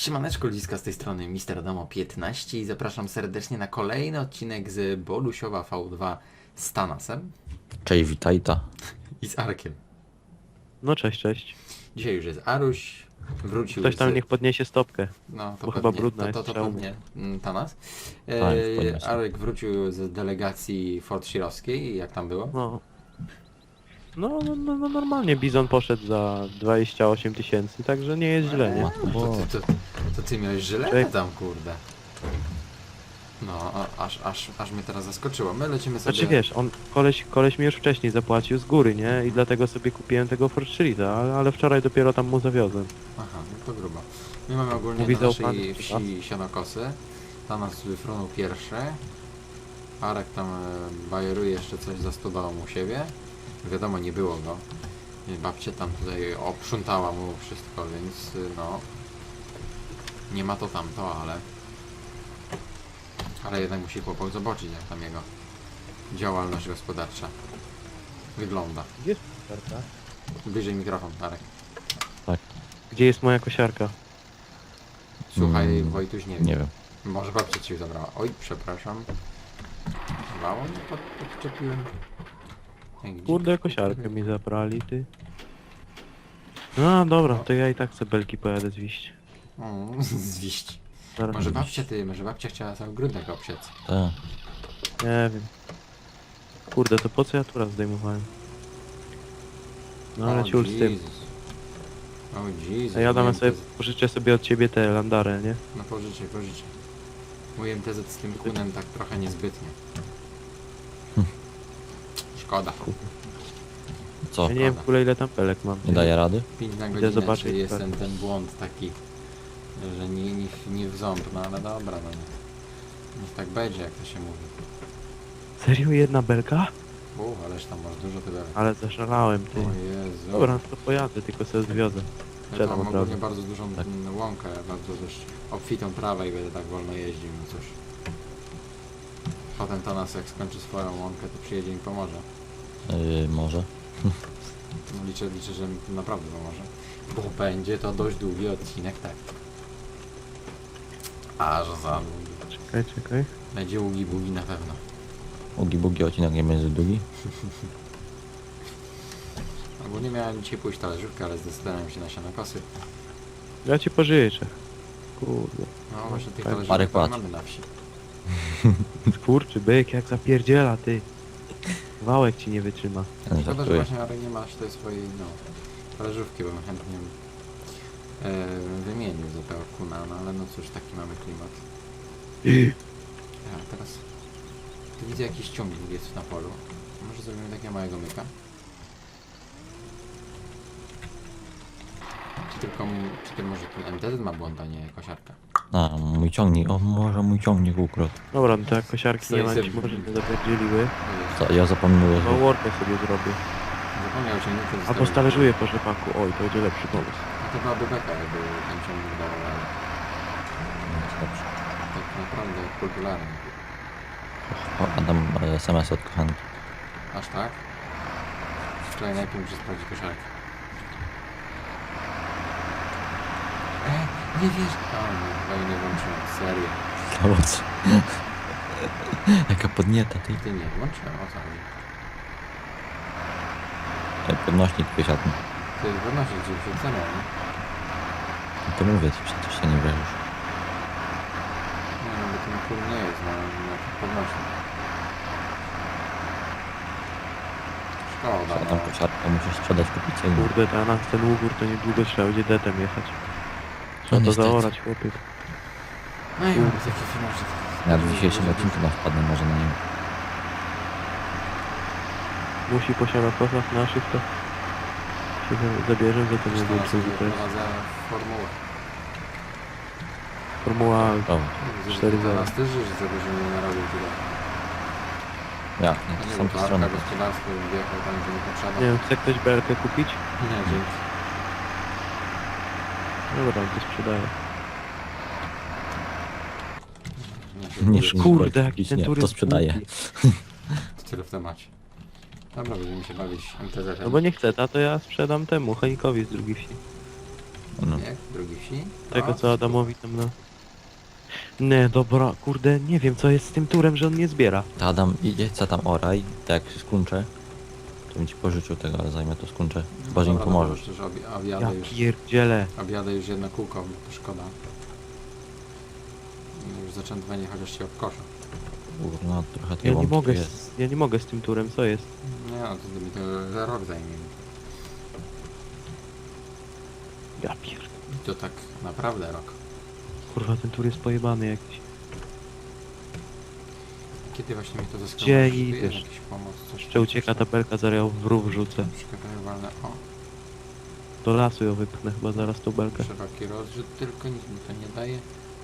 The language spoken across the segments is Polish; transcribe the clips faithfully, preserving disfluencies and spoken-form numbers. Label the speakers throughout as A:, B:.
A: Siemaneczko, ludziska, z tej strony mister Adamo piętnaście i zapraszam serdecznie na kolejny odcinek z Bolusiowa V dwa z Tanasem
B: Cześć, witajta.
A: i z Arkiem.
C: No cześć, cześć.
A: Dzisiaj już jest Aruś, wrócił
C: Ktoś tam
A: z...
C: niech podniesie stopkę.
A: No, to
C: bo
A: pewnie,
C: chyba brudna
A: to, to,
C: jest,
A: to
C: trzeba
A: pewnie mm, Tanas.
B: Tak,
A: E,
B: podniosę.
A: Arek wrócił z delegacji Fort Shirowskiej, jak tam było?
C: No. No, no, no, no normalnie Bizon poszedł za dwadzieścia osiem tysięcy, także nie jest źle, nie?
A: To, to, to, to ty miałeś żyletę
C: Czek.
A: tam, kurde. No, a, aż, aż, aż mnie teraz zaskoczyło. My lecimy sobie...
C: Znaczy wiesz, on, koleś, koleś mi już wcześniej zapłacił z góry, nie? I dlatego sobie kupiłem tego Fortrillita, ale, ale wczoraj dopiero tam mu zawiozłem.
A: Aha, no to grubo. My mamy ogólnie
C: Mówi
A: na naszej
C: zaufany,
A: wsi sianokosy. Tam nas wyfrunął pierwszy. Arek tam e, bajeruje jeszcze coś za stodołą u siebie. Wiadomo, nie było go. I babcia tam tutaj oprzątała mu wszystko, więc y, no... Nie ma to tamto, ale... Ale jednak musi chłopak zobaczyć, jak tam jego działalność gospodarcza wygląda.
C: Gdzie jest kosiarka?
A: Bliżej mikrofon, Arek.
C: Gdzie jest moja kosiarka?
A: Słuchaj,
B: Mm,
A: Wojtuś, nie wiem.
B: Nie wiem.
A: Może babcia ci zabrała. Oj, przepraszam. Mało nie pod, podczepiłem. Ej, gdzie-
C: Kurde, kosiarkę mi zabrali, ty. No dobra, to ja i tak sobie belki pojadę zwieść.
A: O, zwiść.
C: Zaraz
A: Może
C: zwieść.
A: babcia ty, może babcia chciała cały grudek obsiec.
B: Tak.
C: Nie wiem. Kurde, to po co ja tu raz zdejmowałem? No ale ciul z tym.
A: Jezus. O Jezus.
C: A ja damy
A: mój
C: sobie,
A: M T Z
C: pożyczę sobie od ciebie te landarę, nie?
A: No pożyczę, pożyczę. Mój M T Z z tym kunem tak trochę niezbytnie. Szkoda.
B: Co?
C: Ja nie wiem w ogóle ile tam pelek mam.
B: Nie daje rady?
A: pięć na
C: Idę
A: godzinę,
C: zobaczyć,
A: czy jest
C: tak.
A: ten, ten błąd taki, że nie, nie, nie w ząb, no ale dobra, no niech, niech tak będzie, jak to się mówi.
C: Serio jedna belka?
A: Uuu, ależ tam masz dużo tyle.
C: Ale zaszalałem, ty.
A: O Jezu.
C: Dobra, to pojadę, tylko sobie zwiozę.
A: Ja
C: Sprzedam
A: tam
C: od
A: ogólnie
C: razu.
A: bardzo dużą
B: Tak.
A: mm, łąkę, bardzo też obfitą trawę i będę tak wolno jeździł, no cóż. Potem Tanas jak skończy swoją łąkę, to przyjedzie i mi pomoże.
B: Yy, może.
A: No, liczę, liczę, że mi naprawdę pomoże. Bo będzie to dość długi odcinek, tak. Aż za długi.
C: Czekaj, czekaj.
A: Będzie ługi bugi na pewno.
B: Ugi bugi odcinek nie będzie długi.
A: Ogólnie miałem dzisiaj pójść talerzówkę, ale zdecydowałem się na sianokosy.
C: Ja ci pożyczę. Kurde.
A: No właśnie tych
C: Tak.
A: talerzówek
B: Parę
A: tak
B: płat.
A: mamy na wsi.
C: Kurczy byk, jak zapierdziela, ty. Wałek ci nie wytrzyma.
B: Ja nie
A: Szkoda, że
B: żartuję.
A: właśnie Arek nie masz tej swojej, no, talerzówki, bo bym chętnie e, wymienił za tego kuna, no ale no cóż, taki mamy klimat. Ja teraz... Tu widzę jakiś ciągnik jest na polu. Może zrobimy takiego małego myka? Czy tylko, m- czy to może ten M T Z ma błąd, a nie kosiarka?
B: A, mój ciągnik. O, może mój ciągnik ukradł.
C: Dobra, no to jak kosiarki
A: Stoi
C: nie ma,
A: sobie-
C: ci może nie zapierdzieliły.
A: O Jezu,
B: Co, ja zapomniałem.
C: No workę sobie zrobię.
A: zapomniał ciągnika.
C: Albo
A: zostawił-
C: stalerzuję po rzepaku. Oj, to będzie lepszy pomysł.
A: No to byłaby beka, jakby ten ciągnik dał, ale
B: Dobrze.
A: tak naprawdę popularny.
B: O, Adam e, S M S od kochanki.
A: Aż tak? Wczoraj najpierw muszę sprawdzić kosiarkę. E, nie wiesz... O nie, chyba jej nie włączyłem, serio.
B: Zobacz. co? Jaka podnieta, ty.
A: Ty nie włączyłem, o co chodzi?
B: E, Podnośnik wysiadł.
A: Ty wynosi gdzieś wrzucenia, nie?
B: No to mówię ci, przecież się nie wierzysz.
A: Nie no, bo ten kul nie jest na, na podnośnik. Szkoda,
B: Tam
A: no.
B: kosiarkę musisz sprzedać, kupić co innego.
C: Kurde, to na ten ugór to niedługo trzeba będzie detem jechać.
B: No
C: Trzeba to
B: niestety.
C: zaorać, chłopie.
A: No i mamy takie finanse.
B: Ja w dzisiejszym odcinku na wpadnę może na niego.
C: Musi po sianokosach naszych, to się za- zabierze, za to nie
A: Zresztą
C: wiem,
A: ja
C: co
A: sobie
C: to jest.
A: prowadzę formułę.
C: Formuła
B: O,
C: cztery zero.
A: Teraz też żyć, żeby się nie narobił tyle.
B: ja,
A: A
B: nie,
A: nie,
B: to
A: bo
B: są
A: to
B: te
A: Arka
B: strony.
A: gospodarstwo wjechał tam, gdzie nie potrzeba.
C: Nie wiem, chce ktoś belkę kupić?
A: Nie, dzięki.
C: Dobra, to sprzedaję.
A: Nie,
B: Nie
A: nie
B: szum-
C: Kurde, jaki
B: kupić,
C: ten
B: nie, to
C: turyst
B: sprzedaję.
C: głupi.
A: Tyle w temacie. Dobra, będziemy się bawić M T Z-em.
C: No bo nie chce ta, to ja sprzedam temu, Henikowi z drugiej wsi.
B: No.
A: Nie, drugi wsi.
C: Tego
A: O,
C: co Adamowi tam na... Nie, dobra, kurde, nie wiem co jest z tym turem, że on nie zbiera.
B: To Adam, idzie, co tam oraj, tak jak się skończę, to bym ci pożyczył tego, ale zajmę to skończę. Chyba, że im
A: dobra,
B: pomożesz.
A: Przecież obj-
C: Ja
A: objadę już,
C: pierdzielę.
A: objadę już jedno kółko, to szkoda. Już zaczętowanie chociaż się obkoszę.
B: No, trochę tej
C: Ja nie
B: łąki
C: mogę,
B: jest.
C: z, ja nie mogę z tym turem, co jest?
A: Nie no, to mi to za rok zajmie.
C: Ja pierdolę.
A: I to tak naprawdę rok.
C: Kurwa, ten tur jest pojebany jakiś.
A: Kiedy właśnie mi to zyskało?
C: Gdzie
A: Czy tu jest
C: idziesz?
A: jakiś pomoc? Coś
C: Jeszcze ucieka tabelka, zaraz ją w rów rzucę.
A: Przekazuję walne. O,
C: Do lasu ją wypchnę chyba zaraz tą belkę.
A: szeroki rozrzut, tylko nic mi to nie daje.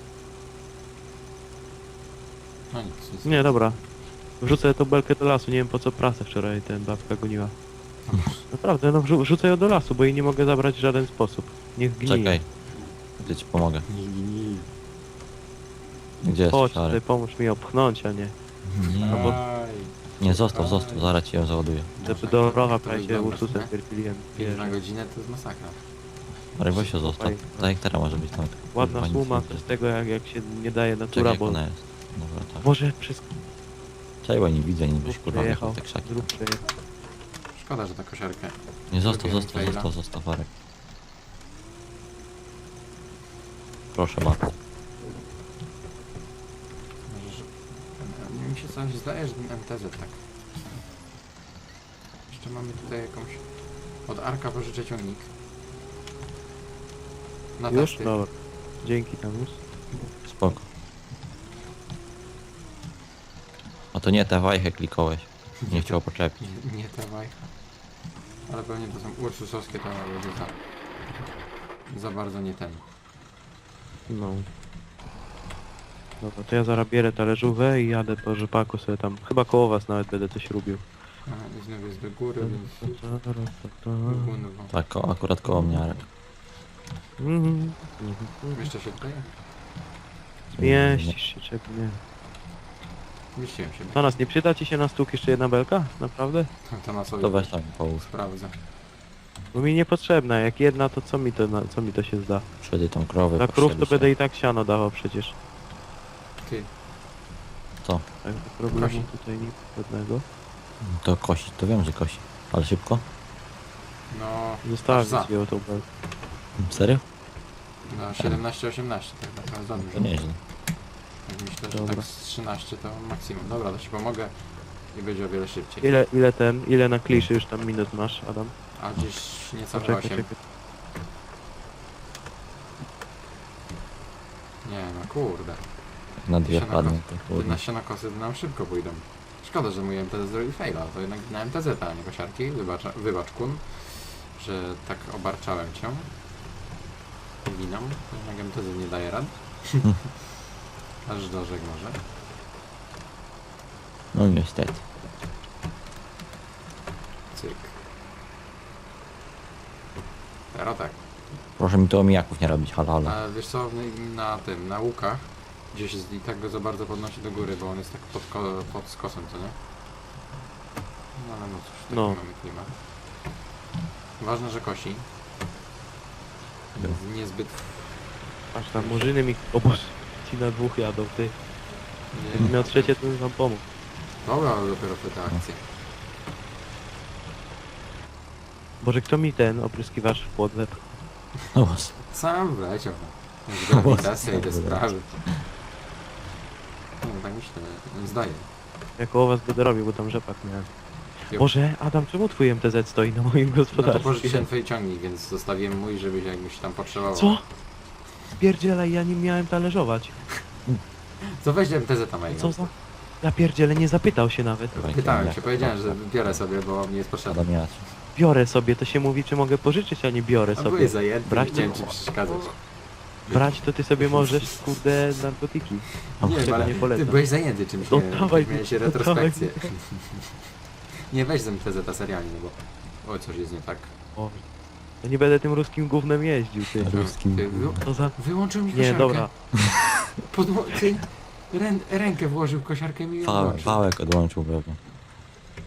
A: No nic, nic.
C: Nie, dobra. Wrzucę tą belkę do lasu, nie wiem po co prasę wczoraj ten babka goniła. Naprawdę, no wrzu wrzucę ją do lasu, bo jej nie mogę zabrać w żaden sposób. Niech gnije.
B: Czekaj, ja ci pomogę.
A: Nie, nie, nie.
B: Gdzie jest
C: Chodź,
B: szary?
C: ty pomóż mi ją pchnąć, a nie.
B: Nie,
C: bo-
A: Aj,
B: nie, zostaw, zostaw, zaraz ci ją załaduję.
C: Żeby do rowa
A: to
C: prawie się
A: wygląda,
C: Ursusem
A: nie?
C: pierpiliłem.
A: pięć na godzinę to jest masakra.
B: Ale weź się zostaw, tak jak teraz może być tam.
C: Ładna
B: Kurwa, nic
C: suma,
B: nie
C: z
B: jest.
C: tego jak, jak się nie daje
B: Czekaj,
C: natura,
B: jak
C: bo
B: ona jest. Dobra, tak.
C: może przez
B: Czekaj, bo nie widzę, nie byś
C: grób
B: kurwa
C: przejechał.
B: wjechał w te krzaki.
C: Grób przejechał.
A: Szkoda, że ta kosiarkę.
B: Nie, zostaw,
A: Zrobiłem
B: zostaw,
A: faila.
B: zostaw, zostaw, Arek. Proszę bardzo.
A: Może, że... Mi się coś zdaje, że ten M T Z tak. Jeszcze mamy tutaj jakąś... Od Arka pożyczę ciągnik. Na
C: Już?
A: testy.
C: Dobra. Dzięki Tamus.
B: Spoko. A to nie te wajchę klikałeś. Nie chciał poczepić.
A: Nie, nie te wajcha. Ale pewnie to są ursusowskie, to będzie za... Za bardzo nie ten.
C: No. Dobra, to ja zaraz bierę talerzówę i jadę po rzepaku sobie tam. Chyba koło was nawet będę coś robił.
A: A, i znów jest do góry, więc...
C: Mhm.
A: Gunwo.
B: Tak, ko akurat koło mnie, Arek.
C: Mhm.
A: Jeszcze się tutaj?
C: Mieścisz się, czego nie.
A: Mieściłem się.
C: Do nas nie przyda ci się na stół jeszcze jedna belka? Naprawdę?
A: To na sobie
B: To weź tam połóż.
A: sprawdzę.
C: Bo mi niepotrzebna, jak jedna to co mi to, na, co mi to się zda?
B: Przedy tą krowę.
C: Za krów to
B: postrzelić.
C: będę i tak siano dawał przecież.
A: Ty,
B: Co?
C: Także problemu
A: Kosi.
C: tutaj nic żadnego.
B: To kosi, to wiem, że kosi. Ale szybko?
A: no...
C: Zostawię
A: aż za.
C: sobie tą belkę.
B: Serio?
A: No siedemnaście osiemnaście, tak naprawdę za dużo.
B: To nieźle.
A: Tak myślę, że
C: Dobra.
A: tak z trzynaście to maksimum. Dobra, to ci pomogę i będzie o wiele szybciej.
C: Ile, ile ten, ile na kliszy już tam minut masz, Adam?
A: A gdzieś niecałe
C: Poczekaj,
A: osiem.
C: czekaj.
A: Nie no kurde.
B: Na dwie
A: Się na
B: wpadnie,
A: kos-
B: to kurde.
A: jedenaście na kosy to nam szybko pójdą. Szkoda, że mój M T Z zrobił faila, to jednak na M T Z, a nie kosiarki. Wybacz, wybacz kun, że tak obarczałem cię winą. Jednak M T Z nie daje rad. Aż do rzek może.
B: No niestety.
A: Cyk. Teraz tak.
B: Proszę mi tu omijaków nie robić, halo, halo.
A: A wiesz co, w- na tym, na łukach, gdzieś jest, i tak go za bardzo podnosi do góry, bo on jest tak pod, ko pod skosem, co nie? No ale no cóż, taki
C: No.
A: mamy klimat. Ważne, że kosi. Więc niezbyt...
C: Aż tam murzyny mi... O Boże, ci na dwóch jadą, ty. Jakbym
A: Nie,
C: miał trzecie, to bym wam pomógł.
A: dobra, ale dopiero w te akcje.
C: Boże, kto mi ten opryskiwacz w płot wepchnął?
B: No was.
A: Sam wleciał. no. Grawitacja i te sprawy. No tak myślę, zdaję.
C: Ja koło was będę robił, bo tam rzepak miałem.
A: Jo.
C: Boże, Adam, czemu twój M T Z stoi na moim
A: No to
C: gospodarstwie?
A: pożyczyłem twój ciągnik, więc zostawiłem mój, żebyś jakbyś tam potrzebował.
C: Co? Spierdzielaj, ja nim miałem talerzować.
A: Co weź M T Z tam
C: Co za... Ja pierdzielę, nie zapytał się nawet.
A: Pytałem się, powiedziałem, że biorę sobie, bo mi jest potrzebne.
B: Adam Jacz.
C: Biorę sobie, to się mówi, czy mogę pożyczyć, a nie biorę
A: A
C: sobie.
A: byłeś zajęty,
C: Brać
A: nie chciałem
C: to-
A: ci przeszkadzać.
C: Brać to ty sobie możesz, kurde, narkotyki.
A: Nie,
C: Tego
A: ale
C: nie
A: ty
C: polecam.
A: byłeś zajęty czymś,
C: No
A: nie wiem,
C: dawaj,
A: miałeś
C: no
A: retrospekcję. Nie weź z M T Z serialnie, no bo... Oj, coś jest nie tak.
C: O, ja nie będę tym ruskim gównem jeździł, ty.
B: Ruskim.
A: Ty, wy...
C: To za...
A: Wyłączył mi
C: Nie,
A: kosiarkę.
C: dobra.
A: Podło... Ty... Rę... Rękę włożył w kosiarkę i mi ją
B: Wałek,
A: włączył.
B: wałek odłączył pewnie.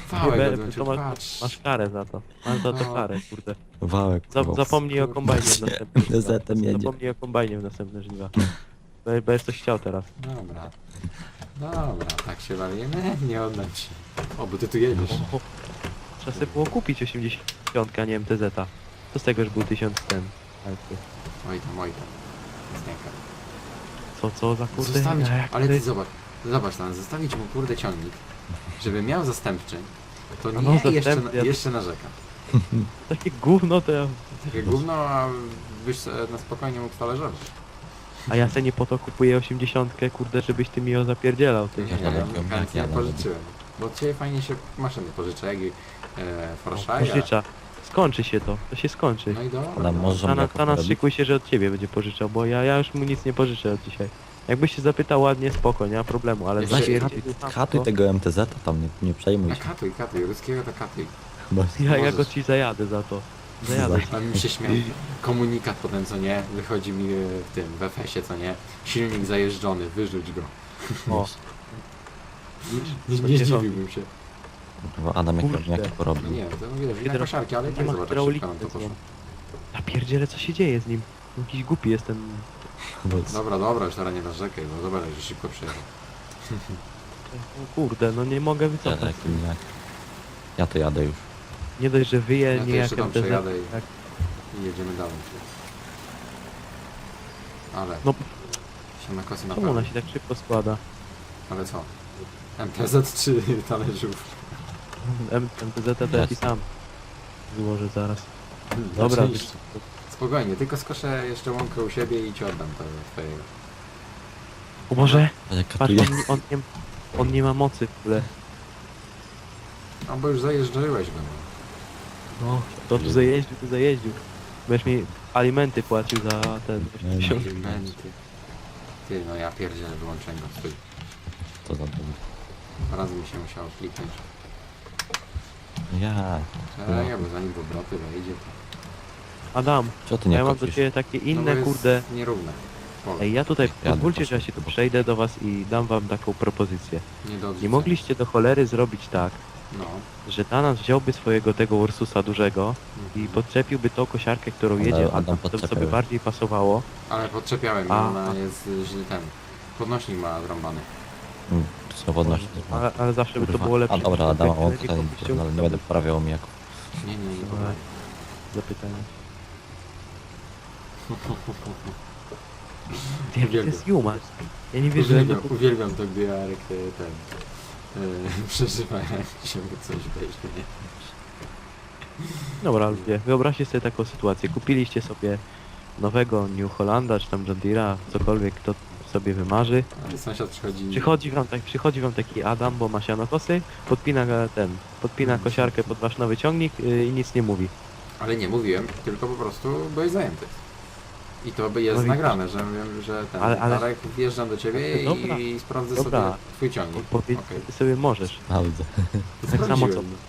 A: Wałek
C: Be-
A: odłączył,
C: to masz,
A: patrz.
C: masz karę za to. Masz za to
A: No.
C: karę, kurde.
B: Wałek.
C: Za,
B: kurwa,
C: zapomnij o kombajnie w następnym
B: M T Z-em jedzie.
C: Zapomnij o kombajnie w następne żniwa. Bo- Bo jest coś chciał teraz.
A: Dobra. Dobra, tak się bawimy? Nie oddam ci. O, bo ty tu jedziesz.
C: O, trzeba sobie było kupić osiemdziesiąt, a nie M T Z-a. Co z tego, że był tysiąc ten?
A: Oj tam, oj tam. Zniaka.
C: Co, co za kurde?
A: Zostawić,
C: jak
A: ale
C: to
A: ty
C: jest-
A: zobacz, zobacz tam, zostawić mu kurde ciągnik, żeby miał zastępczy, to
C: A
A: nie,
C: no,
A: jeszcze,
C: zastępny, ja-
A: jeszcze narzeka.
C: Takie gówno to ja...
A: Takie gówno, a byś se na spokojnie mógł talerzować.
C: A ja se nie po to kupuję osiemdziesiątkę, kurde, żebyś ty mi ją zapierdzielał, ty.
A: Nie,
B: Ja
A: ja
B: nawet
A: bym
B: nie
A: chętnie
B: jadę.
A: pożyczyłem. Bo od ciebie fajnie się maszyny pożycza, jak i e, Forszaja.
C: Pożycza. Skończy się to, to się skończy.
A: No i dobra.
B: Adam, może-
C: Tana,
B: jako
C: Tana
B: porobić?
C: szykuj się, że od ciebie będzie pożyczał, bo ja, ja już mu nic nie pożyczę od dzisiaj. Jakbyś się zapytał ładnie, spoko, nie ma problemu, ale
A: Jeszcze-
C: zapierdzielił tam
B: Katuj
C: to,
B: tego M T Z-a tam, nie, nie przejmuj
A: A
B: się.
A: katuj, katuj, ruskiego to katuj.
B: Bo
C: ja, ja
A: możesz.
C: go ci zajadę za to. Zajadę.
A: A mi się śmiał komunikat potem, co nie, wychodzi mi e, w tym, w F S-ie, co nie, silnik zajeżdżony, wyrzuć go.
C: O,
A: Nie, nie zdziwiłbym się.
B: Bo Adam jak
C: Kurde.
B: jak porobił.
A: No nie, to wiesz,
C: Hydro-
A: wina koszarki, ale i
C: nie
A: tak
C: ma
A: zobacz, jak
C: hydrauliki
A: szybko nam to
C: ze
A: poszło.
C: sobą. Ja pierdzielę, co się dzieje z nim. Jakiś głupi jestem.
B: Bo
A: Dobra, dobra, już teraz nie narzekaj, bo zobacz, że szybko przejechał.
C: O kurde, no nie mogę
B: ja,
C: wycofać.
B: takim jak... ja to jadę już.
C: Nie dość, że wyje,
A: Ja to
C: nie
A: jeszcze
C: jak
A: tam
C: M T Z.
A: przejadę i-
C: Tak.
A: I jedziemy dalej. Ale,
C: No,
A: się na kosy
C: czemu
A: naprawdę.
C: ona się tak szybko składa?
A: Ale co? M T Z czy talerzów?
C: M- MTZ to ja ci sam złożę zaraz.
A: Hmm,
C: Dobra,
A: oczywiście. Spokojnie, tylko skoszę jeszcze łąkę u siebie i ci oddam to twojego.
C: o Boże,
B: A jak
C: patrz,
B: katuje?
C: on, nie- on, nie, on nie ma mocy w ogóle.
A: No bo już zajeżdżałeś go.
C: No, to tu zajeździł, tu zajeździł. Będziesz mi alimenty płacił za ten
B: Nie,
C: tysiąc.
A: Alimenty. Ty, no ja pierdzielę, wyłączyłem go. Stój.
B: To za długo.
A: Dwa razy mi się musiało kliknąć.
B: Ja.
A: Czekaj, bo zanim w obroty wejdzie, to...
C: Adam,
B: Co ty
C: a
B: nie
C: ja mam do
B: kopisz?
C: ciebie takie
A: no bo
C: inne,
A: jest
C: kurde.
A: nierówne. Pole.
C: Ej, ja tutaj,
B: Jadę
C: pozwólcie,
B: po
C: że ja się tu
B: prostu.
C: przejdę do was i dam wam taką propozycję.
A: Nie do
C: Nie
A: odrzucenia.
C: mogliście do cholery zrobić tak,
A: No.
C: że Thanos wziąłby swojego tego Ursusa dużego i
A: Mhm.
C: podczepiłby tą kosiarkę, którą
B: Ale
C: jedzie, a
B: Adam
C: tam to by sobie
B: podczepiał.
C: bardziej pasowało.
A: Ale podczepiałem,
C: A.
A: a ona jest y, źle ten. Podnośnik ma zrąbany.
B: Mm, Swobodność.
C: Ale, ale zawsze by to było lepsze.
B: A dobra,
C: niż
B: Adam,
C: takie
B: o
C: lepiej
B: tutaj,
C: kościół.
B: ale nie będę poprawiał mi jako.
A: Nie, nie, nie.
C: Dobra. Zapytania. Nie, to
A: Uwielbiam.
C: jest Juma. Ja nie wierzę, że
A: Uwielbiam, uwielbiam to, gdy Jarek e, ten e, przeżywa, jak się mu coś weźmie. nie?
C: Dobra, ludzie, wyobraźcie sobie taką sytuację. Kupiliście sobie nowego New Hollanda, czy tam John Deere'a, cokolwiek kto sobie wymarzy.
A: Ale sąsiad przychodzi...
C: Przychodzi wam, tak, przychodzi wam taki Adam, bo ma sianokosy, podpina e, ten, podpina kosiarkę pod wasz nowy ciągnik yy, i nic nie mówi.
A: Ale nie mówiłem, tylko po prostu byłeś zajęty. I to by jest
C: No i-
A: nagrane, że wiem, że ten
C: Ale- ale-
A: Jarek wjeżdżam do ciebie
C: Dobra.
A: i sprawdzę
C: Dobra.
A: sobie twój ciągnik.
C: Powiedz,
A: Okej.
C: ty sobie możesz.
B: Sprawdzę.
C: Tak samo co...
A: Sprawdziłem.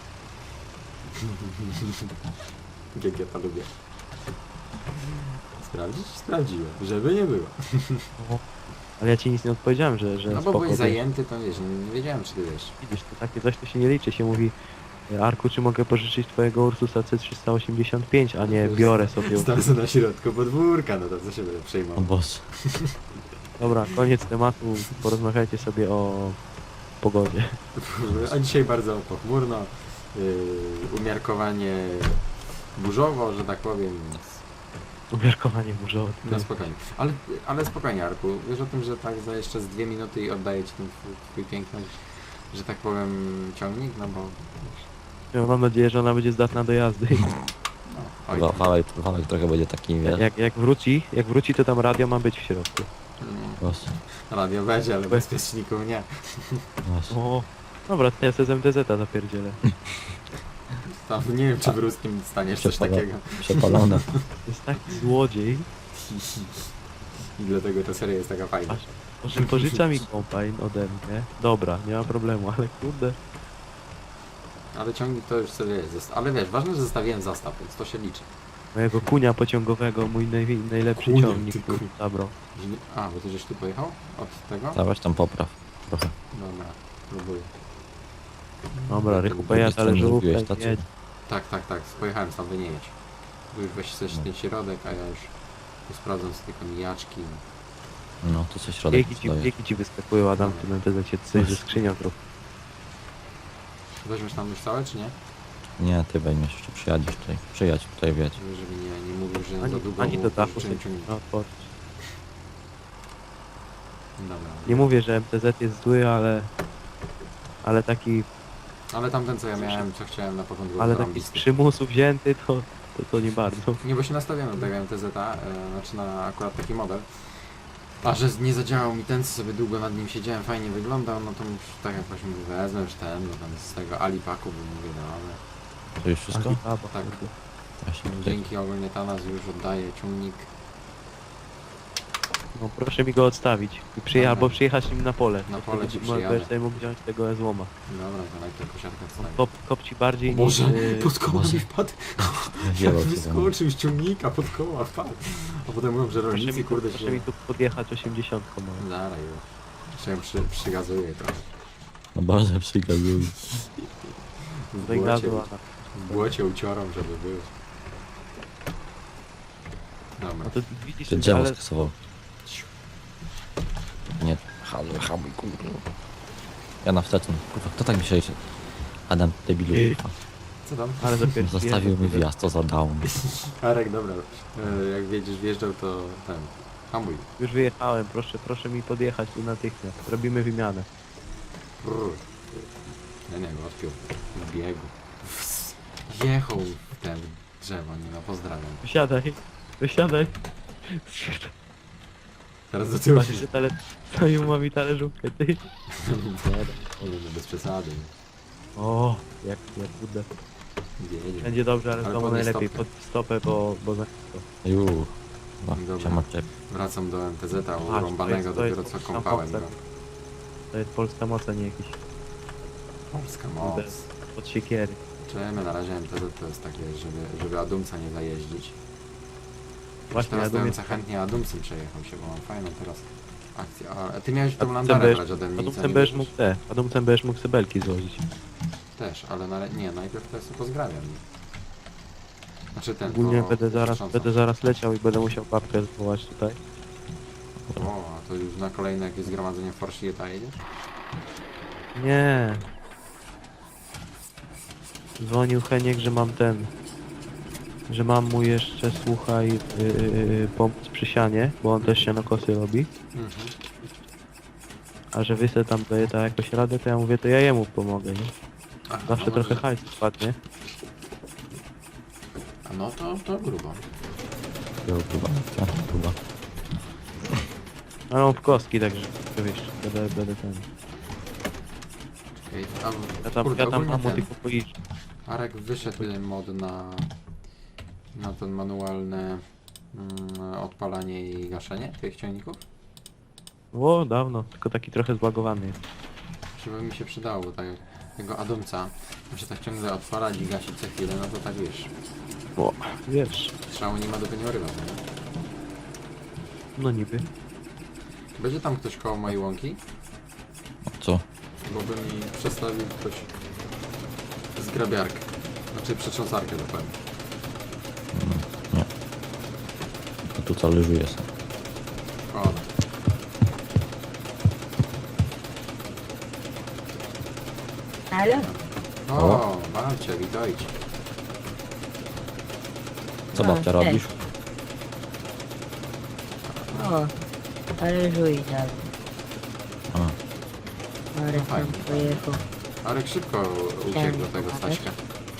A: Jak ja to lubię. Sprawdzić? Sprawdziłem, żeby nie było.
C: Ale ja ci nic nie odpowiedziałem, że, że
A: No bo
C: spoko,
A: byłeś
C: wiesz.
A: zajęty, to wiesz, nie, nie wiedziałem, czy ty wiesz.
C: Widzisz, to takie coś to się nie liczy, się mówi Arku, czy mogę pożyczyć twojego Ursusa C trzysta osiemdziesiąt pięć, a nie biorę sobie.
A: Stałem sobie na środku podwórka, no to co się będę
B: O
A: przejmował.
B: Boże.
C: Dobra, koniec tematu, porozmawiajcie sobie o pogodzie.
A: A dzisiaj bardzo pochmurno, yy, umiarkowanie burzowo, że tak powiem, więc
C: Umiarkowanie burzowe.
A: no spokojnie. Ale, ale spokojnie, Arku, wiesz o tym, że tak za jeszcze z dwie minuty i oddaję ci ten twój, twój piękny, że tak powiem, ciągnik, no bo...
C: Ja mam nadzieję, że ona będzie zdatna do jazdy.
A: No, oj,
B: Wa- Wałek, wałek trochę będzie taki, wiesz.
C: Jak, jak wróci, jak wróci, to tam radio ma być w środku.
A: mm,
B: Boże.
A: radio będzie, ale bezpieczników nie.
B: Boże.
C: O, dobra, to ja sobie z M T Z-a zapierdzielę.
A: Tam nie wiem, czy w ruskim staniesz coś
B: Przepala-
A: takiego.
B: Przepalone.
C: To jest taki złodziej.
A: I dlatego ta seria jest taka fajna.
C: Aż, może pożycza mi kombajn ode mnie. Dobra, nie ma problemu, ale kurde.
A: Ale ciągnik to już sobie jest. Ale wiesz, ważne, że zostawiłem zastaw, więc to się liczy.
C: Mojego kunia pociągowego, mój naj, najlepszy
A: Kunia,
C: ciągnik,
A: ty
C: który
A: kur-
C: zabrał.
A: Że nie- A, bo ty żeś tu pojechał? Od tego?
B: Zaraz tam popraw. Trochę.
A: Dobra, próbuję.
C: Dobra, Rychu,
B: drugiej
C: pojazd, ale
B: stronie
C: żółte,
B: zrobiłeś stację?
C: jedź.
A: Tak, tak, tak, pojechałem sam, wy nie jedź. Tu już weź coś
B: No.
A: ten środek, a ja już tu sprawdzam sobie tylko mijaczki.
B: No, to coś środek
C: Biegi ci,
B: doje.
C: biegi ci wyskakują, Adam, w tym M T Z coś ze skrzynią zrób.
A: Weźmiesz tam już całe, czy nie?
B: Nie, ty weźmiesz, jeszcze przyjadziesz tutaj. Przyjadź tutaj, wieć.
A: Żeby żeby nie, nie mówił, że
C: Ani,
A: za długo
C: ani
A: mu
C: do dachu
A: pożyczyłem
C: sobie
A: ciągnik.
C: no, otworzyć.
A: Dobra.
C: Nie mówię, że M T Z jest zły, ale... Ale taki,
A: Ale tamten co ja miałem, co chciałem na początku,
C: ale
A: był
C: taki z
A: zarąbisty.
C: przymusu wzięty, to, to, to nie bardzo.
A: Nie, bo się nastawiamy do tego M T Z, e, znaczy na akurat taki model. A że nie zadziałał mi ten, co sobie długo nad nim siedziałem, fajnie wyglądał, no to już tak jak właśnie mówię, wezmę już ten, no tam z tego Alipaku, bo mówię, no ale
B: To już wszystko?
C: Alibaba,
A: Tak.
C: kurde.
B: Właśnie,
A: dzięki ogólnie Tanas już oddaje ciągnik.
C: No proszę mi go odstawić. I przyje,
A: Dobra.
C: albo przyjechać nim na pole.
A: Na
C: To
A: pole
C: wtedy
A: ci
C: możesz
A: przyjadę.
C: sobie mógł wziąć tego złoma.
A: Dobra, to najpierw kosiarkę wstawię.
C: Kop, kopci bardziej
A: O Boże,
C: niż... yy,
A: pod koła
B: Boże.
A: mi wpadł.
B: Wzięło cię tam.
A: Wyskoczył z ciągnika, pod koła wpadł. A potem mówią, że
C: Proszę mi,
A: rolnicy
C: tu,
A: kurde
C: proszę
A: się...
C: mi tu podjechać osiemdziesiątką. No.
A: Zara już. Jeszcze ją przy, przygazuję trochę.
B: No Boże, przykazuj.
A: W
C: Do gazu,
A: błocie,
C: a
A: w błocie uciorą, żeby był. Dobra.
C: no to widzisz,
B: Ty drzewo
C: ale
B: skasował. Nie, hamuj, hamuj, kurwa. Ja na wsteczny. Kurwa, kto tak mi się... Adam, debilu.
C: Ej.
B: kurwa.
A: Co tam?
C: ale dopiero
B: Zostawił mi wjazd, to za down.
A: Arek, dobra. E, Jak wiedziesz, wjeżdżał, to ten... Hamuj.
C: Już wyjechałem, proszę, proszę mi podjechać tu natychmiast. Robimy wymianę.
A: Brrr. Ja nie wiem, odpiął. W biegu. Jechał w ten drzewo, nie no, pozdrawiam.
C: Wysiadaj, wysiadaj.
A: Teraz do tyłu.
C: Patrz, że tale... Stoją ma mi talerzówkę, ty.
A: Może bez przesady.
C: O, jak, jak budę.
A: Jedzie.
C: Będzie dobrze, ale
A: Ale
C: w domu
A: podnieś
C: najlepiej.
A: stopkę.
C: Pod stopę, bo, bo za to.
B: Juuu.
A: Dobra.
B: Cię odczep.
A: Wracam do M T Z-a
C: to
A: urąbanego
C: jest- to jest
A: dopiero co
C: polska
A: kąpałem
C: moc.
A: go.
C: To jest polska moc, a nie jakiś
A: Polska moc.
C: od siekiery.
A: Czemy na razie M T Z to jest takie, żeby, żeby Adumca nie zajeździć.
C: Właśnie,
A: Teraz
C: ja
A: to bym
C: dumie...
A: co chętnie Adumcem przejechał się, bo mam fajną teraz akcję. A ty miałeś tą
C: Adumcem
A: landarę
C: będziesz-
A: brać ode mnie i co,
C: Adumcem
A: nie
C: będziesz
A: bierzesz?
C: mógł te, Adumcem będziesz mógł sebelki złożyć.
A: Też, ale na, nie, najpierw to jest pozgrabiam. Znaczy ten,
C: Ogólnie
A: to
C: będę zaraz,
A: krzycząca.
C: będę zaraz leciał i będę musiał babkę zwołać tutaj.
A: O, a to już na kolejne jakieś zgromadzenie w Forsieta jedziesz?
C: Nie. Dzwonił Heniek, że mam ten... Że mam mu jeszcze, słuchaj, yy, yy, pomóc przy sianie, bo on też sianokosy robi.
A: Mhm.
C: A że wy se tam daje ta jakoś radę, to ja mówię, to ja jemu pomogę, nie?
A: Aha,
C: Zawsze
A: no
C: trochę
A: może-
C: hajsu spadnie.
A: A no to, to grubo.
B: Jo, Chyba, tak, chyba.
C: Ale on w kostki, także wiesz, będę, będę ten...
A: Ej, a,
C: Ja tam,
A: kurde,
C: ja tam
A: ogólnie
C: mam
A: ten,
C: tylko poiść.
A: Arek wyszedł y, mod na, na ten manualne mm, odpalanie i gaszenie tych ciągników.
C: O, dawno, tylko taki trochę zbagowany jest.
A: Żeby mi się przydało, bo tak jak tego Adumca muszę tak ciągle odpalać i gasić co chwilę, no to tak wiesz,
C: O, wiesz,
A: strzału nie ma do nie urywa, nie?
C: no niby.
A: Będzie tam ktoś koło mojej łąki?
B: Co?
A: Bo by mi przestawił ktoś zgrabiarkę, znaczy przetrząsarkę dokładnie.
B: Nie. To tu talerzuje sobie.
A: O,
D: Halo?
A: o, babcia, witajcie.
B: Co
D: No,
B: babcia
D: cześć.
B: robisz?
D: O, ale żuj dalej.
B: A,
D: Marek
A: fajnie.
D: tam pojechał.
A: Arek szybko uciekł do tego Staśka.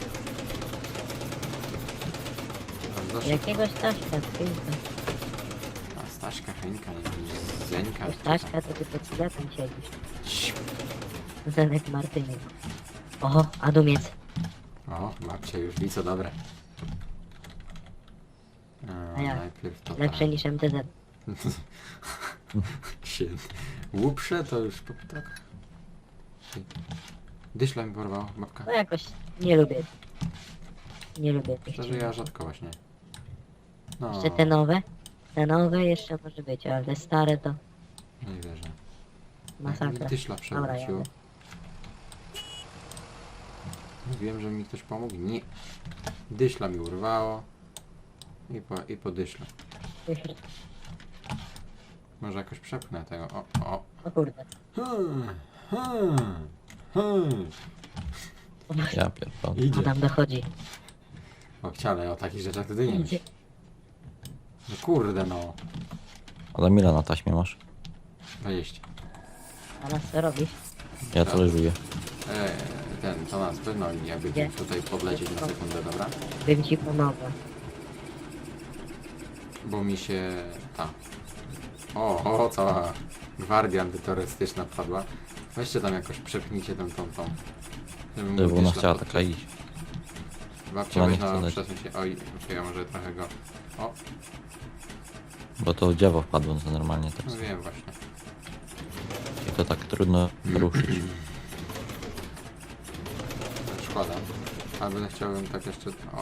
A: Bardzo szybko.
D: Jakiegoś Staszka, tylko.
A: A Staśka, Henka, jakiś Zeńka.
D: Staszka to ty pod sklepem siedzisz. Zenek Martyniuk. Oho, Adumiec.
A: O, babcia już wie co dobre.
D: A jak?
A: Najpierw to
D: Lepsze niż M T Z.
A: się łuprze, to już po tak. Dyszla mi porwał, babka.
D: No jakoś nie lubię. Nie lubię tych
A: Szczerze ja
D: ciągników.
A: rzadko właśnie. No,
D: Jeszcze te nowe. Te nowe jeszcze może być, ale te stare to
A: nie wierzę.
D: masakra.
A: Dyszla
D: Dobra,
A: przewrócił.
D: jadę.
A: Mówiłem, że mi ktoś pomógł? Nie. Dyszla mi urwało. I po, i po dyszle. Może jakoś przepchnę tego. O, o.
D: O kurde.
A: Hmm, hmm, hmm.
B: Ja pierdolę.
A: Idzie.
D: Adam dochodzi.
A: O, chciale, o takich rzeczach wtedy nie myśl. No kurde no.
B: Ale ile na taśmie masz?
A: dwadzieścia.
D: Adam, co robisz?
B: Ja to leżuję.
A: Eee, ten, to nas no i jakby
D: Gdzie?
A: tutaj podlecieć na sekundę, dobra?
D: Bym ci pomogła.
A: Bo mi się... ta... O, o, cała gwardia antyterrorystyczna wpadła. Weźcie tam jakoś, przepnijcie tą, tą, tą. Żeby
B: Żeby
A: mógł
B: ona
A: gdzieś
B: chciała
A: tam
B: taka iść.
A: Babcia
B: Ona
A: weź
B: nie chce
A: na
B: lecieć.
A: przesuń się. Oj, okej, ja może trochę go... O,
B: Bo to dziewo wpadło to normalnie tak.
A: no wiem właśnie.
B: I to tak trudno ruszyć.
A: Szkoda. Ale będę chciałbym tak jeszcze... O.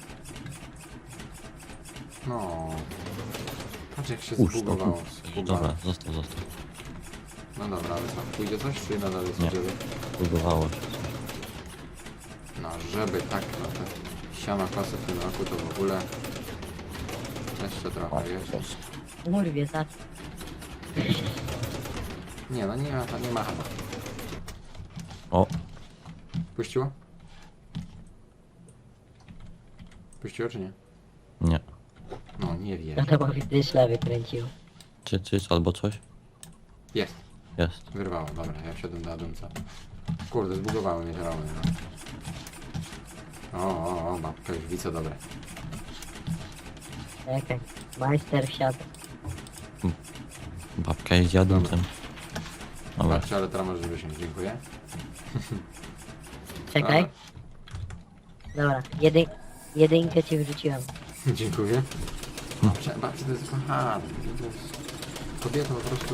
A: No. Patrz jak się
B: Uż, to
A: zbugowało.
B: tu.
A: Zbugowało.
B: Dobra, został, został.
A: No dobra, ale co? Pójdzie coś, czy nadal jest
B: Nie.
A: żeby?
B: Bugowało się.
A: No, żeby tak, no te siano kosy w tym roku to w ogóle... Jeszcze
B: O,
A: trochę jest.
B: jest.
D: Urwie za...
A: Nie, no nie ma, nie ma chyba.
B: O,
A: Puściło? Puściło czy nie?
B: nie.
A: No, nie wiem.
D: Adamowi dyszla wykręcił.
B: Czy, czy albo coś?
A: Jest.
B: Jest.
A: Wyrwało, dobra, ja wsiadłem do Adamca. Kurde, zbugowały mnie te ramy, no. O, o, o, babka już wice dobre.
D: Czekaj. Majster wsiadł.
B: Babka jest jadącym. Dobra.
A: Babcia, ale teraz możesz wysiąść, dziękuję.
D: Czekaj. Dobra, jedyn... jedynkę ci wrzuciłem.
A: Dziękuję. Babcia, babcia to jest kochana. To jest kobieta po prostu,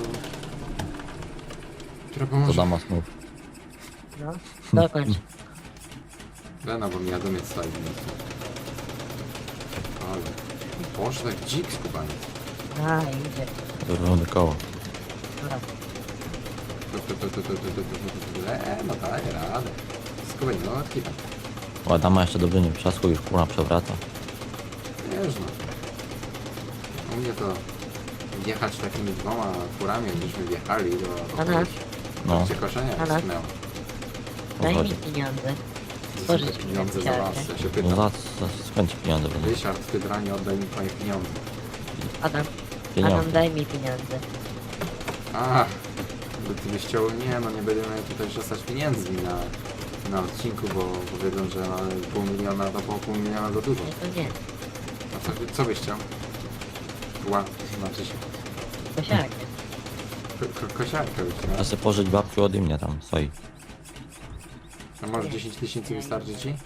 A: która
B: To
A: pomoże.
B: dama snów.
D: No, dokończ.
A: Lena, bo mi Adomiec stoi w miejscu. Ale... Boże, tak dzik skubaniec.
D: A, idzie.
B: Rundy koło.
D: Dobra.
A: Tu, tu, tu, tu, tu, tu, tu, tu, tu, tu. Eee, no daje radę. Skubanie, no odkipa.
B: O, dama jeszcze dobrze nie przeszło, już kurna przewraca.
A: Wiesz no. U mnie to jechać takimi dwoma furami, jakbyśmy wjechali do...
D: Ana,
B: No,
A: Cię koszenia
D: Ana.
A: skinęło.
D: daj mi
B: chodzi.
D: pieniądze.
A: To są
D: Pożycz
A: te
D: mi
A: pieniądze za
D: kartę.
A: was, ja się
B: no
A: pytam.
B: za, za skąd ci pieniądze będą?
A: Ryszard, ty dranie, oddaj mi twoje pieniądze.
D: Adam, Adam,
B: Pieniądze.
D: daj mi pieniądze.
A: A, by ty byś chciał, nie no, nie będziemy tutaj przestać pieniędzmi na, na odcinku, bo, bo wiedzą, że no, pół miliona to po pół miliona za dużo.
D: Nie, to nie.
A: A co, by- co byś chciał? Ła, znaczy się,
D: Kosiarkę.
A: ko, ko, kosiarkę byś chciał.
B: Ja sobie pożyć babciu ode mnie tam, stoi.
A: A może dziesięć tysięcy wystarczy ci?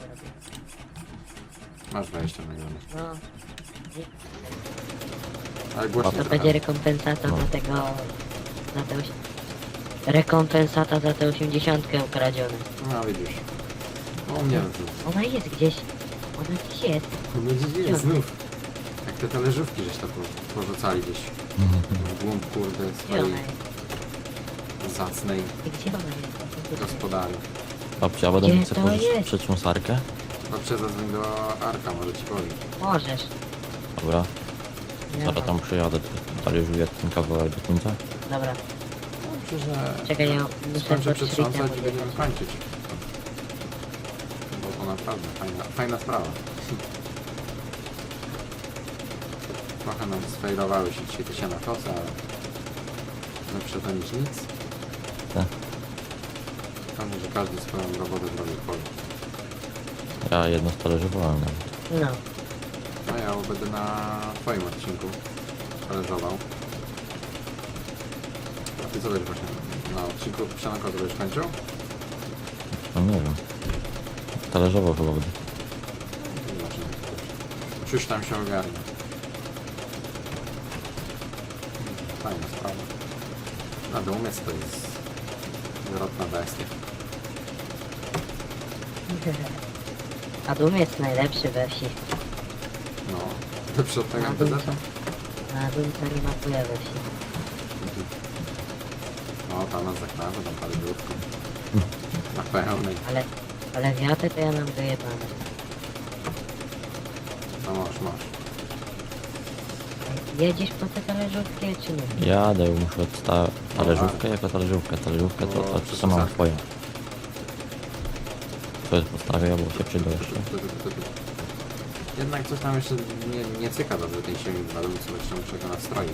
A: Masz dwadzieścia nagrane.
D: No,
A: Ale głośno
D: to
A: trochę.
D: będzie rekompensata
B: No.
D: za tego... za te... osi- Rekompensata za tę osiemdziesiątkę ukradzione.
A: No widzisz. No u mnie to
D: Ona jest gdzieś. Ona gdzieś jest.
A: to będzie jest znów. Jak te talerzówki żeś to po- porzucali gdzieś w głąb kurde
D: Gdzie ona
A: swojej
D: jest?
A: zacnej
D: I Gdzie ona jest?
A: gospodary.
B: Babcia, a będę
D: Gdzie
B: mógł sobie
D: to
B: pożyczyć
D: jest?
B: przetrząsarkę?
A: Babcia zadzwoń do Arka, może ci powiem.
D: Możesz.
B: Dobra,
D: Ja
B: zaraz tam przyjadę, talerzuję ten kawałek do końca.
D: Dobra,
A: Dobrze, że
D: czekaj, ja muszę
A: skończę
D: pod
A: przetrząsać i
D: szlitem
A: będziemy kończyć. Bo to naprawdę fajna, fajna sprawa. Trochę nam sfejlowały się dzisiaj te siana kosy, ale lepsze to niż nic.
B: Tak.
A: Ważne, że każdy swoją robotę zrobi w polu.
B: Ja jedno stalerzowałem nawet.
D: No,
A: No ja będę na twoim odcinku talerzował. A ty co będziesz właśnie na odcinku siana kosy będziesz kończył?
B: No nie wiem. Talerzował chyba będę.
A: Zobaczymy. Czyż tam się ogarnie. Fajna sprawa. Na umiec to jest zwrotna bestia.
D: a Dum jest najlepszy we wsi.
A: No, lepszy od tego
D: A
A: M P Z?
D: Dumca, a Dumca nie ma chuja we wsi.
A: No, tam nas zaknawę, tam parę biurków. Na pełnej.
D: Ale Ale wiatę to ja mam dojebane.
A: No masz, masz.
D: Jedziesz po te talerzówki, czy nie?
B: Jadę, muszę odstawić talerzówkę jako talerzówkę. Talerzówkę to, to, to sama twoja. To jest postawię, bo się przyda jeszcze.
A: Tu, tu, tu, tu, tu. Jednak coś tam jeszcze nie, nie cyka dobrze tej silnik na dół, co jeszcze muszę go nastroić.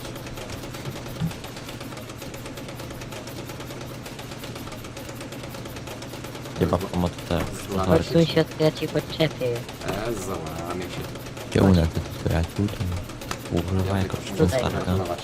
B: Gdzie babka ma te
A: Złamać.
D: Odsuń się od ja ci podczepię.
A: E, załamie się.
B: kiełunę, te przyjaciół, to używa jako
A: tylko
B: przyczyn
A: muszę
B: starka.
A: kontrolować.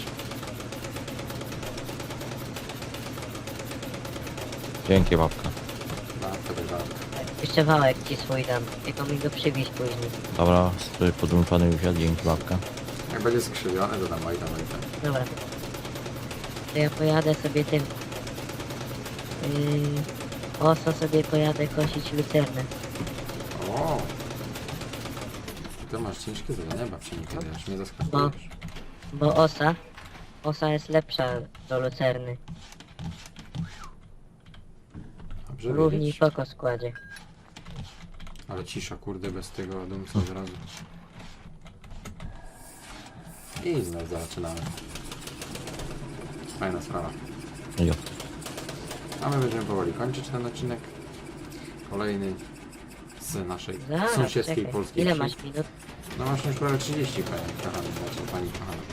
B: Dzięki babka.
A: Babka, tak babka.
D: Jeszcze wałek ci swój dam, tylko mi go przywieź później.
B: Dobra, strój podłączony już jest, dzięki babka.
A: Jak będzie skrzywiony, to tam oj tam, oj tam.
D: Dobra. To ja pojadę sobie tym... Yy, oso sobie pojadę kosić lucernę.
A: O! Ty masz ciężkie zadania, babci nie kiedyś mnie zaskakujesz.
D: Bo osa... Osa jest lepsza do lucerny.
A: Dobrze
D: Równi
A: wiedzieć.
D: poko składzie.
A: Ale cisza, kurde, bez tego dumca od razu. I znowu zaczynamy. Fajna sprawa.
B: Jo.
A: A my będziemy powoli kończyć ten odcinek. Kolejny z naszej
D: Zaraz,
A: sąsiedzkiej
D: czekaj.
A: polskiej
D: Ile
A: wsi.
D: masz minut?
A: No masz już prawie trzydzieści, panie kochany, znaczy pani kochana.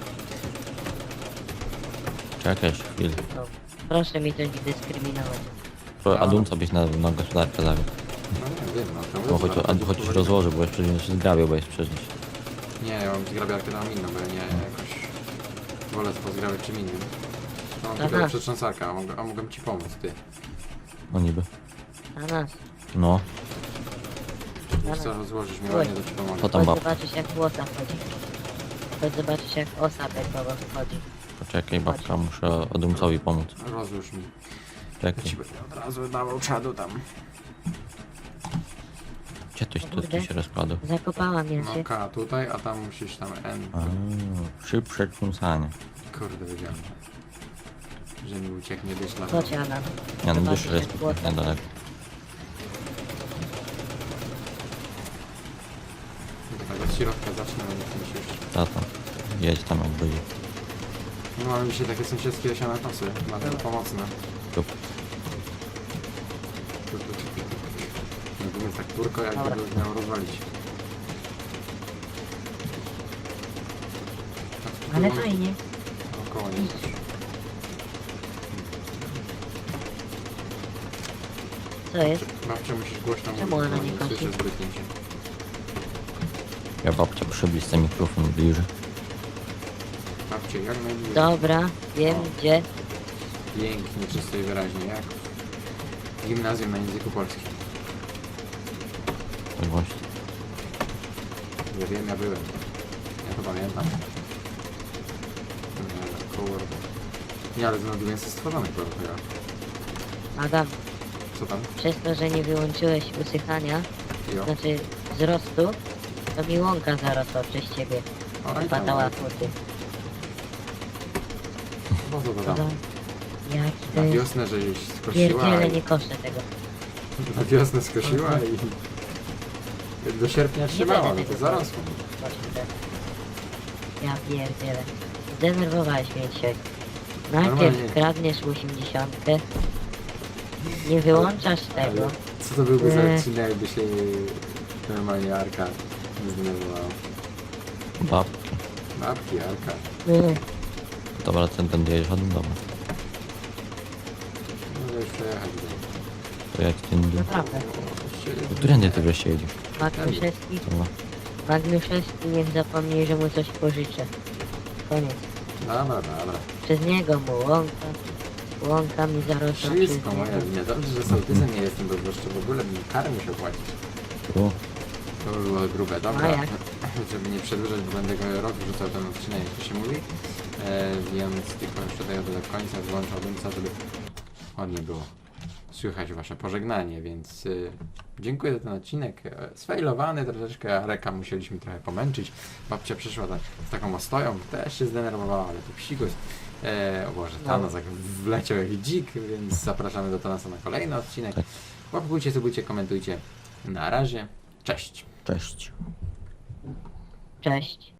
B: Czekaj jeszcze chwilę.
D: No. Proszę mi to nie dyskryminować.
B: Pro- A dum co byś na, na gospodarkę zawiódł.
A: No nie wiem, no to
B: No choć, a, choć już rozłoży, bo jeszcze nie się zgrabiał, bo jest przecież.
A: Nie, ja mam zgrabiarkę tam inną, bo ja nie jakoś wolę to zgrabiać czym innym. No mam tylko
D: Aha.
A: przetrząsarkę, a, mogę, a mogę ci pomóc, ty.
B: No niby.
D: A nas.
B: No,
A: Wiesz co, rozłożysz mi ładnie, to ci pomogę.
B: To tam
D: Chodź
B: babka.
D: zobaczysz jak osa chodzi. Chodź zobaczysz jak osa bekowo chodzi.
B: Poczekaj babka, muszę Odumcowi pomóc.
A: Rozłóż mi. Ja
B: Czekaj.
A: ci będę od razu dawał czadu tam.
B: Gdzie toś tu, tu się rozkładał?
D: Zakopałam ja
A: No
D: się.
A: K tutaj, a tam musisz tam N.
B: A, szybsze trząsanie.
A: Kurde, wiedziałem. Że mi ucieknie dyszla.
D: Chodź Adam.
B: Ja no
D: Zobaczysz,
B: wyższy jest
D: jak płota.
B: niedaleko.
A: Tak, od środka zacznę, ale nie musisz.
B: Tato, jedź tam jak będzie.
A: No mamy dzisiaj takie sąsiedzkie osiane nosy, bardzo pomocne.
B: Tup.
A: Mówimy tak turko, jakby
D: Dobra.
A: to miało rozwalić.
D: Ale fajnie.
A: Około nie też.
D: Co jest?
A: Babcia musisz głośno mówić,
D: Czemu ona
A: bo
D: nie
A: nie
D: kosi?
A: słyszę zbytnie się.
B: Ja babcia przybliż ten mikrofon bliżej.
A: Babcie, jak najbliżej.
D: Dobra, wiem
A: O.
D: gdzie.
A: Pięknie, czysto i wyraźnie, jak w gimnazjum na języku polskim.
B: Tak właśnie.
A: Ja wiem, ja byłem. Ja to pamiętam. Nie, Kurde. Nie, ale znowu jest stworzony produkt.
D: Adam,
A: Co tam?
D: przez to, że nie wyłączyłeś usychania,
A: Jo.
D: znaczy wzrostu, to mi łąka zarosła przez ciebie.
A: O, i tam,
D: Patała futy.
A: po co to
D: Adam,
A: tam?
D: jaki to
A: Na
D: jest...
A: wiosnę, żeś skosiła
D: Pierdziele,
A: i...
D: nie koszę tego.
A: Na wiosnę skosiła i... Do sierpnia trzymała, no to zarosło.
D: Właśnie tak. Ja pierdzielę. Zdenerwowałeś mnie dzisiaj. Najpierw
A: Normalnie.
D: kradniesz osiemdziesiątkę, nie wyłączasz tego.
A: Ale co to byłby za
D: Nie.
A: odcinek, jakby się normalnie Arka nie zdenerwowała?
B: Babki.
A: Babki, Arka.
D: Nie.
B: Dobra, ten ten jedziesz Odum, dobra.
A: No już przejechać do...
B: To jak ten...
D: Naprawdę.
B: Którędy ty wreszcie jedziesz?
D: Magnuszewski,
B: Dobra.
D: Magnuszewski niech zapomni, że mu coś pożyczę. Koniec.
A: Dobra, dobra.
D: Przez niego mu łąka. Łąka mi zarosła przez
A: Wszystko
D: niego.
A: moja wina. Dobrze, że sołtysem nie jestem, bo jeszcze w ogóle bym karę musiał płacić.
B: Tu.
A: To by było grube. Dobra,
D: A jak?
A: żeby nie przedłużać, bo będę go rok wrzucał ten odcinek, jak to się mówi. E, więc tylko jeszcze daję do końca, wyłączał dymca, żeby ładnie było słychać wasze pożegnanie, więc y, dziękuję za ten odcinek. E, sfailowany troszeczkę, Areka musieliśmy trochę pomęczyć. Babcia przyszła ta, z taką ostoją, też się zdenerwowała, ale to psikus. E, o Boże,
D: No.
A: Thanos jak wleciał jak dzik, więc zapraszamy do Thanasa na kolejny odcinek.
B: Tak.
A: Łapkujcie, subujcie, komentujcie. Na razie. Cześć.
B: Cześć.
D: Cześć.